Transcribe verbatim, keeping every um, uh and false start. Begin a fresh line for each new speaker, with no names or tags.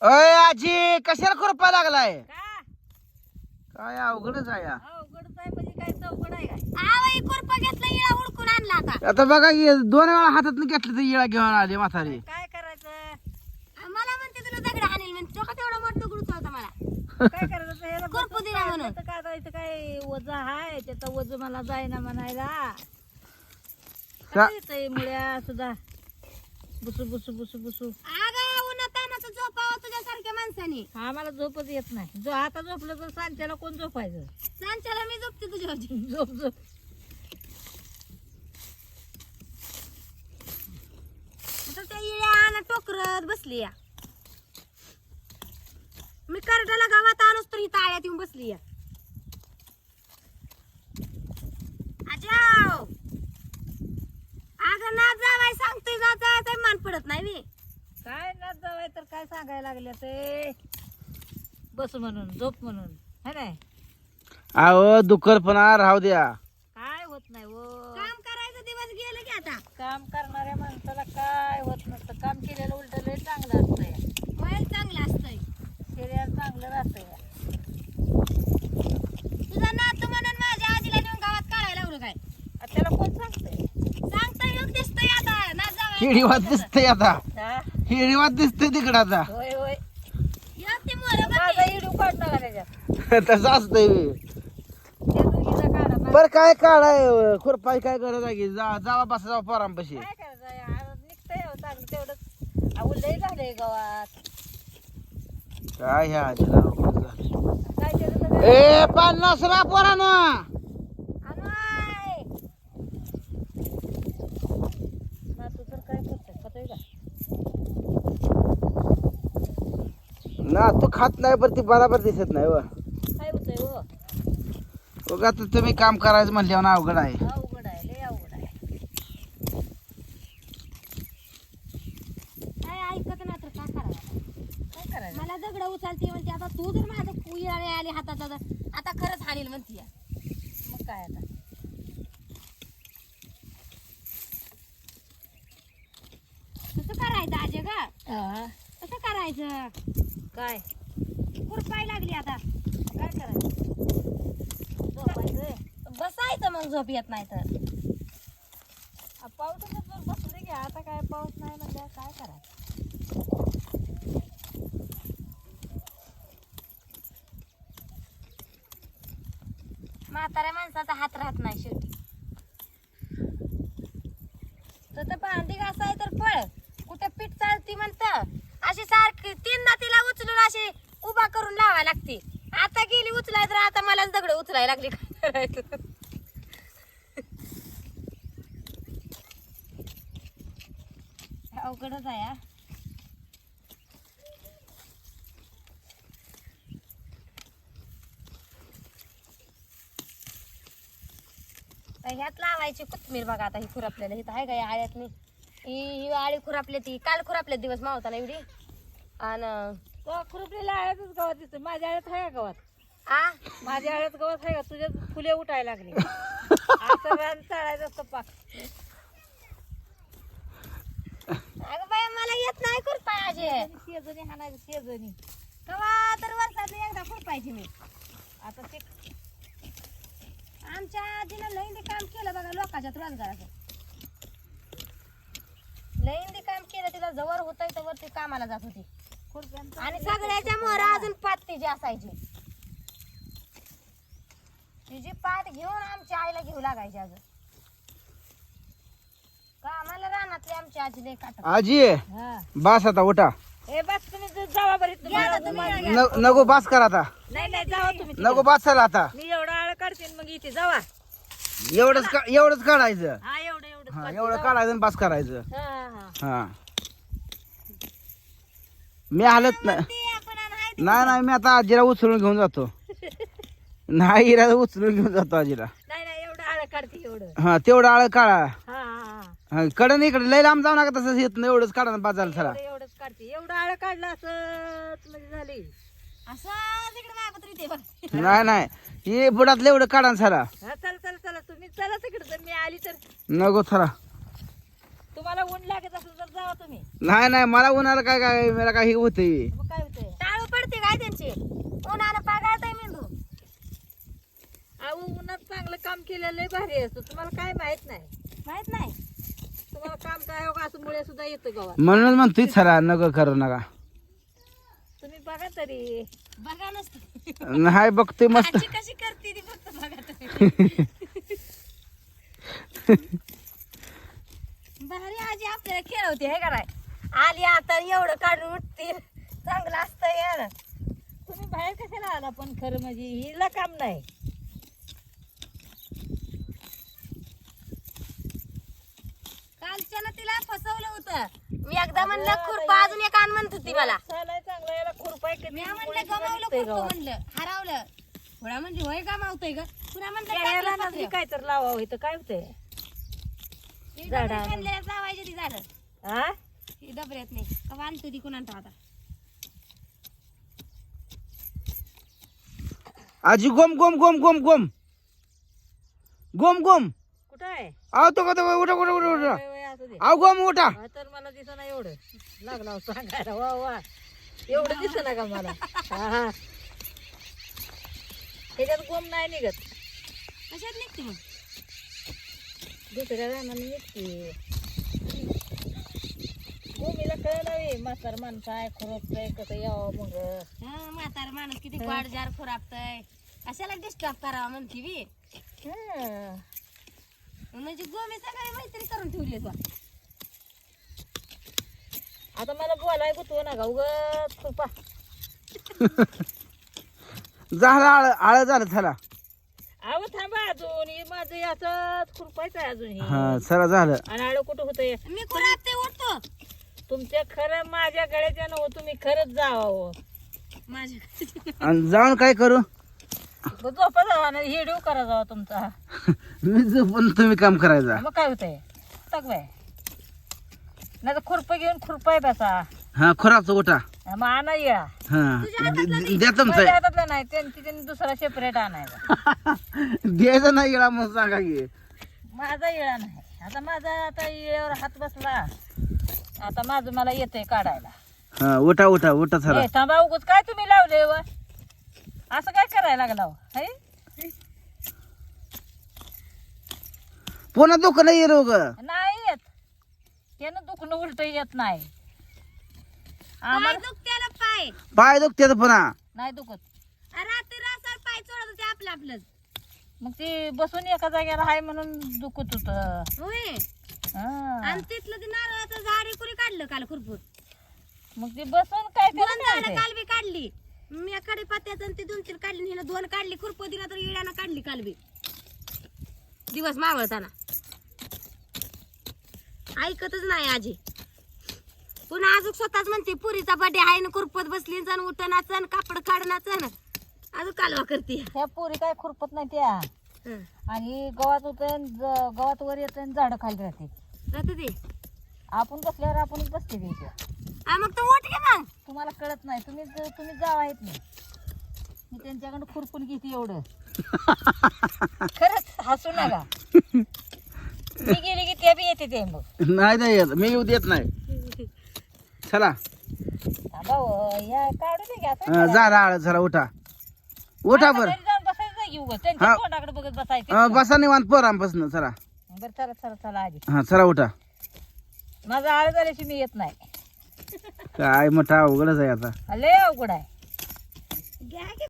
अय आजी कशाला खुरपा लागलाय?
का
काय अवघडच आहे या.
अवघडच आहे म्हणजे काय चौकड आहे काय?
आवई कुरपा घेतला इळा उडकून आणला आता.
आता बघा की दोन वेळा हातात घेतलं तर येळा घेऊन आले म्हातारी.
काय करायचं?
मला म्हणते तुला दगड हाणेल म्हणते तो का तेवढा मोठा दगड होता मला.
काय करायचं? ह्याला
खुरपू
बसून
दिला म्हणून.
काढलं तर काढायचं काय वज आहे त्याचा वज मला जायना म्हणायला.
का-
काय येतंय मुळ्या सुद्धा बुसू बुसू बुसू बुसू.
अगं उन्हा तानाचं झोपावं तुझ्यासारख्या माणसाने.
आम्हाला झोपच येत नाही. जो आता झोपलं तर सांच्याला कोण झोपायचं?
सांच्याला मी झोपते तुझ्यावरची.
झोप झोप.
आता त्या इळ्या आणा टोकरत बसली या. मी करडाला गावात आणूच तर ही ताळ्यात येऊन बसली या. आजाव अगं ना जावाय सांगतोय जा जायचं मान पडत नाही मी.
काय नाच जावाय तर काय सांगायला लागले ते बस म्हणून झोप म्हणून है नाही.
अहो दुखरपणा राहू द्या.
काय होत नाही वो.
काम करायचं दिवस गेलं की आता.
काम करणाऱ्या माणसाला काय होत नसतं. काम केलेलं उलट लय चांगलं असतंय.
वय चांगलं असतंय.
शरीर चांगलं राहतंय.
तुझा नातू म्हणून माझ्या आजीला नेऊन गावात काढायला लावलं काय?
आ, त्याला कोण सांगतंय?
सांगता येऊन दिसतंय आता ना जावाय.
हिडीवात दिसतंय आता.
हा?
हिडीवात दिसतंय तिकडं आता.
होय होय.
एक ती मोरं बघ
माझा
की.
इडू काढ नका त्याच्यात.
तसं असतंय.
त्या दोघीचा काढा. माझा
बर काय काढाय खुरपाय काय गरज आहे की? जा जावा बसा जावा पोरांपाशी.
काय करायचं आ, निघतंय हो चांगलं तेवढंच. अहो लय झालंय गावात.
काय ह्या आजीला अवघड झालं.
काय त्याचं सगळं
ए पन्नास रा पोरानं.
अनवाय. नातू तर काय करतोय खातोय का?
ना तू खात नाही पण ती बराबर दिसत नाही व.
काय होतंय हो?
बघा आता तुम्ही काम करायचं म्हणल्यावर ना अवघड आहे.
अवघड आहे लय अवघड आहे.
काय ऐकत ना तर काय करायचं?
काय करायचं?
मला दगड उचलते म्हणते आता तू जर माझं कुयाळे आली हातात आता आता खरंच हाणील म्हणते या.
मग काय आता?
कसं करायचं आजे ग?
हा?
कसं करायचं?
काय
खुरपाय लागली आता.
काय करायचं? झोपायचंय.
बसायचं मग झोप येत नाही तर.
आ, पावसाचं जर बसले की आता काय पाऊस नाही म्हणल्यावर काय करायचं?
म्हाताऱ्या माणसाचा हात राहत नाही शेवटी. तर तर भांडी घासाय तर पळ कुठे पीठ चालती म्हणत अशी सारखी तीनदा तिला उचलून अशी उभा करून लावायला लागते. आता गेली उचलाय तर आता मलाच दगड उचलायला लागली. काय करायचं? अवघडच आहे हा. तर ह्यात लावायची कोथमीर बघा आता ही खुरापलेलं इथं आहे का या आळ्यातनी ही ही आळी खुरापली ती काल खुरापले दिवस मावताना एवढी आणि
तो खुरपलेल्या आळ्यातच गवत दिसतोय. माझ्या आळ्यात आहे का गवत?
आ
माझ्या आळ्यात गवत आहे का? तुझ्या फुले उठायला लागली. असं रान चाळायचं असतं पाक.
अगं बाई मला येत नाही खुरपाय आजे.
शेजणी हाणायचं शेजणी.
कवा तर वर्षात एकदा खुरपायची मी.
आता ते
आमच्या आजीनं लईंदी काम केलं बघा लोकांच्यात रोजगाराचं. लईंदी काम केलं तिला जवळ होतंय तवर ती कामाला जात होती
खुरप्यांचं
आणि सगळ्याच्या मोहरा अजून पात तिची असायची. तिची पात घेऊन आमच्या आईला घेऊ लागायची अजून. कामाला रानातली आमची आजी लई काटत.
आजी
हा.
बास आता उठा.
ए बस तुम्ही ज- जावा बरी
घ्या आता तुम्ही
तुम्हाला-
घ्या.
न- नको बास करा आता.
नाही नाही जावा तुम्ही तिकडे.
नको बास चला आता.
मी एवढा आळ काढते मग इथे जावा.
एवढंच का एवढंच काढायचं.
हा एवढं एवढं
हा
काढते,
एवढं
जावा.
काढायचं आणि बास करायचं.
हा हा
हा मी हालत नाही.
ती आपण नाही ती.
नाही नाही मी आता आजीला उचलून घेऊन जातो. नाही हिला उचलून घेऊन जातो आजीला.
नाही नाही एवढं आळ काढते एवढं.
हा तेवढं आळ काढा.
हा हा हा
हा, कडन इकडे लय लांब जाऊ नका तसंच येत नाही. एवढंच काढा ना बाजारला चला.
एवढं एवढंच काढते. एवढं आळ काढलं असं म्हणजे झाली.
असं तिकडे माझ्या पत्री ते बघ.
नाही नाही हे बुडातलं एवढं काढा ना चला.
हा चला चला चला तुम्ही चला तिकडे. जर मी आली तर
नको चला.
तुम्हाला तुम्हाला ऊन लागत असेल तर जावा तुम्ही.
नाही नाही मला उन्हाला काय काय मला काही होतंय.
मग काय होतंय?
टाळू पडते काय त्यांची उन्हानं पागाळताय मेंदू.
अहो उन्हात चांगलं काम केलेलं लय भारी असतं. तुम्हाला काय माहित नाही.
माहित नाही
तुम्हाला काम काय हो का असं मुळे सुद्धा येतं गावात.
म्हणूनच म्हणतोय चला नका करू नका.
तुम्ही बघा तरी.
बघा नसतं
नाही बघतोय मस्त.
आजी कशी करते ती फक्त बघा तुम्ही. भारी आजी आपल्याला खेळवते हे कराय. आली आता एवढं काढून उठतील चांगलं असतं यार.
तुम्ही बाहेर कशाला आला पण खरं म्हणजे हिला काम नाही.
कालच्यानं तिला फसवलं होतं. मी एकदा म्हणलं खुरपा अजून एक आण म्हणत होती मला.
चालाय चांगला याला खुरपाय किती
मी म्हणलं
मुळे सुद्धा
गमावलं
निघतंय
खुरपं
गावात.
म्हणलं हरवलं. थोडा म्हणजे होय गमावतोय ग. पुन्हा म्हणलं
याला
टाकलं
नसली
पत्र्यावर.
काय तर लावावं इथं काय होतंय.
ती
झाडं
डबऱ्यात
आणून.
आणलेलं लावायची ती झाडं.
हा
ती डबऱ्यात नाही का आणतो ती कुणाला आता.
आजी गोम गोम गोम गोम गोम गोम गोम.
कुठं आहे?
आव तो का तो उठा उठा उठा उठा.
वय- वय असू दे.
आव गोम उठा.
हा, तर मला दिसना एवढं लागला हो सांगायला. वा वा एवढं दिसना का मला. हा हा त्याच्यात गोम नाही निघत.
कशात निघते मग
दुसऱ्या रानाने निघते. गोमीला कळलं म्हातार माणसं आहे खुरपतंय कसं यावं मग.
हं, म्हातार माणूस किती वाढ जार खुरापतय. कशाला डिस्टर्ब करावा म्हणते बी.
हं.
म्हणजे गोमी सगळी मैत्री करून ठेवली आहे तू.
आता मला बोलाय गुतवू नका उगाच खुरपा.
झालं आळ आळ झालं चला.
अहो थांबा अजून हे माझं याच खुरपायचं आहे अजून हे.
हा चला झालं.
आणि आडं कुठं होतंय.
मी खुरापते उठतो
तुमच्या खरं माझ्या गळ्याच्या नव तुम्ही खरंच जावं.
माझ्या.
आणि जाऊन काय करू.
झोपा जावा ना हिडीव करा जावा तुमचा.
मी पण तुम्ही काम करायचा.
मग काय होतंय टाक बाय. नाही तर खुरपं घेऊन खुरपाय बसा.
हा खोराचं उठा.
मग आणा या.
हा द- द्या तुमचं.
माझ्या हातातलं नाही त्यांची त्यांनी दुसरा सेपरेट आणायचा.
द्यायचं नाही गेला मग सांगा की.
माझा येळा नाही. आता माझा आता येळावर हात बसला. आता माझं मला येतंय काढायला.
हा उठा उठा उठा चला.
ए, थांबा उगच काय तुम्ही लावले व असं काय करायला लागला हो? है?
पुन्हा दुखणं नाही रोग.
नाही येत त्यानं दुखणं उलट येत नाही.
पाय
आम्हाला
दुखत्याला पाय.
पाय दुखते पुन्हा.
नाही दुखत.
रात्री रासाळ पाय चोळत होते आपलं आपलंच.
मग ते बसून एका जागेला हाय म्हणून दुखत होत.
होय
मग
आणि तिथलं ते नारळाचं झाड कुणी काढलं काल खुरपून.
ते बसून काय
दोन
करायचं
झाडं
ते?
काल बी काढली. मी कडे पात्याचं आणि ते दोन तीन काढली. हिनं दोन काढली खुरप दिला तर इड्यानं काढली काल बी दिवस मावळताना. ऐकतच नाही आजी. पुन्हा अजून स्वतःच म्हणते पुरीचा बर्थडे आहे ना खुरपत बसली जण उठणाच कापड काढणाच अजून कालवा करते.
ह्या पोरी काय खुरपत नाही त्या.
हं.
आणि गवत होत गवत वर येत झाड खाली राहते.
राहते ते
आपण बसल्यावर आपणच बसते ते इथे.
हा, मग तू उठ घे मग.
तुम्हाला कळत नाही. तुम्ही तुम्ही जावा येत नाही. मी त्यांच्याकडे खुरपून घेते एवढं. खरंच हसू नका. मी गेली की त्या बी येते ते मग.
नाही नाही येत. मी येऊ देत नाही. चला
थांबा हो, या काढू दे घ्या.
हा, झालं आळ चला उठा उठा बर.
जाऊन बसायचं घेऊ ग. त्यांच्या
हा.
तोंडाकडे बघत बसायचं.
बसा निवांत पोरांपासून चला.
बरं चला चला चला आधी.
हा चला उठा.
माझं आळ झाल्याशी मी येत नाही.
काय मोठा अवघडच आहे आता.
लय अवघड आहे.
घ्या की